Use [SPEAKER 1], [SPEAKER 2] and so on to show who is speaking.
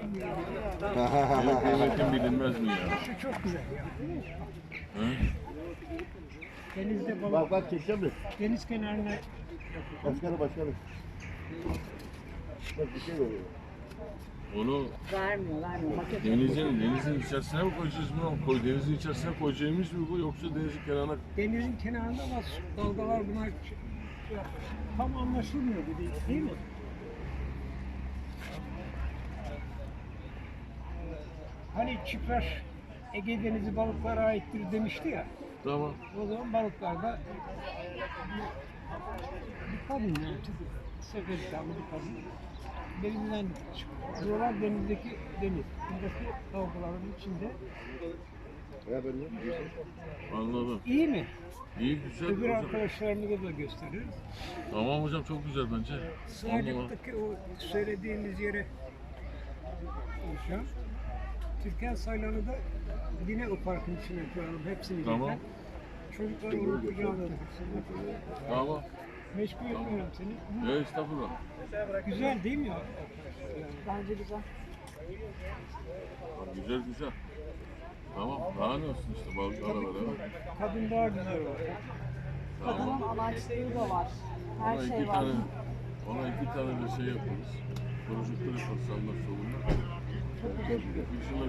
[SPEAKER 1] Kıymetin bilinmez mi ya?
[SPEAKER 2] Şu çok güzel ya.
[SPEAKER 1] Hı?
[SPEAKER 2] Denizde balık.
[SPEAKER 3] Bak çekeceğim mi?
[SPEAKER 2] Deniz kenarına
[SPEAKER 3] Başkanım. Bak bir şey oluyor.
[SPEAKER 1] Onu
[SPEAKER 4] Vermiyor. Paket
[SPEAKER 1] denizin içerisine mi koyacağız bunu? Denizin içerisine koyacağımız mı bu yoksa denizin kenarına?
[SPEAKER 2] denizin kenarında var. Dalgalar bunlar tam anlaşılmıyor bu değil mi? Hani çiftler Ege Denizi balıklara aittir demişti ya.
[SPEAKER 1] Tamam.
[SPEAKER 2] O zaman balıklarda bir kadın yani Seferisa'lı bir kadın denizden çıkıyor. Buralar denizdeki deniz. Buradaki dalgaların içinde.
[SPEAKER 3] Ya ben ne?
[SPEAKER 1] Anladım.
[SPEAKER 2] İyi mi?
[SPEAKER 1] İyi güzel.
[SPEAKER 2] Öbür
[SPEAKER 1] hocam.
[SPEAKER 2] arkadaşlarımıza da gösteririz.
[SPEAKER 1] Tamam hocam çok güzel bence. Anladım.
[SPEAKER 2] Sığacak'taki o söylediğimiz yere konuşacağım. Türkan Saylan'ı da yine o parkın içine koyalım. Hepsini
[SPEAKER 1] Tamam.
[SPEAKER 2] birden. Çocuklar onu kucağına otursun.
[SPEAKER 1] Tamam.
[SPEAKER 2] Meşgul etmiyorum seni.
[SPEAKER 1] Estağfurullah.
[SPEAKER 2] Güzel değil mi ya?
[SPEAKER 4] bence güzel.
[SPEAKER 1] Güzel. Tamam. Daha ne olsun işte balıklarla beraber.
[SPEAKER 2] Kadın daha güzel var.
[SPEAKER 4] Kadının amaçları da var. Her
[SPEAKER 1] Ona
[SPEAKER 4] şey
[SPEAKER 1] iki
[SPEAKER 4] var.
[SPEAKER 1] tane, ona iki tane de şey yaparız. Projektör yaparız sağında solunda. Dışında